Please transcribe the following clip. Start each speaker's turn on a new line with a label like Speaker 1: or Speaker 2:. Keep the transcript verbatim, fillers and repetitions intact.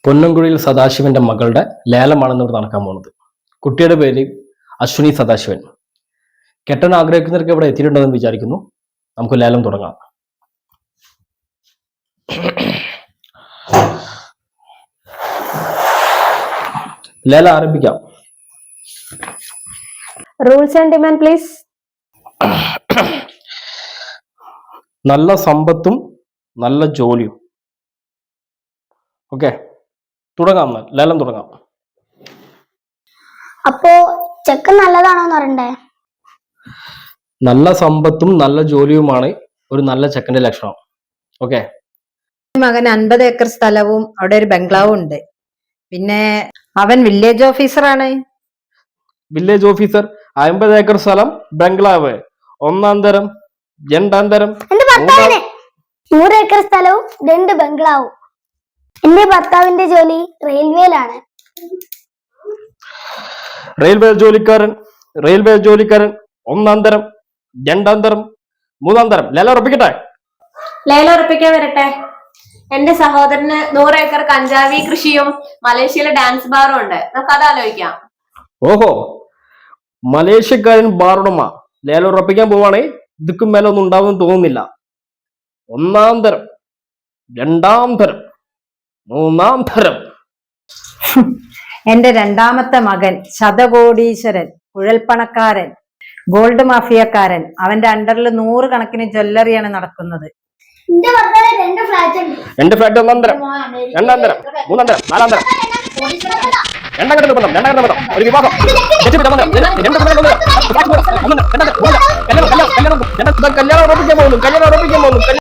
Speaker 1: പൊന്നംകുഴിയിൽ സദാശിവന്റെ മകളുടെ ലേലമാണെന്ന് ഇവിടെ നടക്കാൻ പോകുന്നത്. കുട്ടിയുടെ പേര് അശ്വിനി സദാശിവൻ. കെട്ടാൻ ആഗ്രഹിക്കുന്നവർക്ക് ഇവിടെ എത്തിയിട്ടുണ്ടെന്ന് വിചാരിക്കുന്നു. നമുക്ക് ലേലം തുടങ്ങാം. ലേലം ആരംഭിക്കാം.
Speaker 2: Rules and demand please.
Speaker 1: നല്ല സമ്പത്തും നല്ല ജോലിയും. ഓക്കെ, തുടങ്ങാം. ലേലം തുടങ്ങാം.
Speaker 2: അപ്പോ ചെക്ക് നല്ലതാണോന്ന് അറിയണ്ടേ?
Speaker 1: നല്ല സമ്പത്തും നല്ല ജോലിയുമാണ് ഒരു നല്ല ചെക്കന്റെ ലക്ഷണം. ഓക്കെ.
Speaker 3: മകൻ അൻപത് ഏക്കർ സ്ഥലവും അവിടെ ഒരു ബംഗ്ലാവും ഉണ്ട്. പിന്നെ അവൻ വില്ലേജ് ഓഫീസറാണ്.
Speaker 1: വില്ലേജ് ഓഫീസർ, അമ്പത് ഏക്കർ സ്ഥലം, ബംഗ്ലാവ്, ഒന്നാം തരം, രണ്ടാം തരം.
Speaker 2: എന്റെ ഭർത്താവിന് നൂറ് ഏക്കർ സ്ഥലവും രണ്ട് ബംഗ്ലാവും. എന്റെ ഭർത്താവിന്റെ ജോലി റെയിൽവേയിലാണ്.
Speaker 1: റെയിൽവേ ജോലിക്കാരൻ, റെയിൽവേ ജോലിക്കാരൻ, ഒന്നാം തരം, രണ്ടാം തരം, മൂന്നാം തരം. ലേലം ഉറപ്പിക്കട്ടെ?
Speaker 4: ലേലം ഉറപ്പിക്കാൻ വരട്ടെ. എന്റെ സഹോദരന് നൂറ് ഏക്കർ കഞ്ചാവി കൃഷിയും മലേഷ്യയിലെ ഡാൻസ് ബാറും ഉണ്ട്. നമുക്ക് അത് ആലോചിക്കാം.
Speaker 1: ഓഹോ, മലേഷ്യക്കാരൻ ബാറുടമ ലേലം ഉറപ്പിക്കാൻ പോവാണേ. ഇതുക്കും മേലെ ഒന്നും ഉണ്ടാവുമെന്ന് തോന്നുന്നില്ല. ഒന്നാം തരം, രണ്ടാം തരം, മൂന്നാം തരം.
Speaker 3: എന്റെ രണ്ടാമത്തെ മകൻ ശതകോടീശ്വരൻ, കുഴൽപ്പണക്കാരൻ, ഗോൾഡ് മാഫിയക്കാരൻ. അവന്റെ അണ്ടറിൽ നൂറ് കണക്കിന് ജ്വല്ലറിയാണ് നടക്കുന്നത്.
Speaker 2: എന്റെ ഭർത്താവിന് രണ്ട് ഫ്ലാറ്റ് ഉണ്ട്.
Speaker 1: എന്റെ ഫ്ലാറ്റ് ഒന്നാം തരം, രണ്ടാം തരം, മൂന്നാം തരം, നാലാം തരം. രണ്ടാം ഘട്ട ബന്ധം, രണ്ടാം ഘട്ട ബന്ധം, ഒരു വിവാഹം, കല്യാണം ഉറപ്പിക്കാൻ പോകുന്നു. കല്യാണം ഉറപ്പിക്കാൻ പോകുന്നു.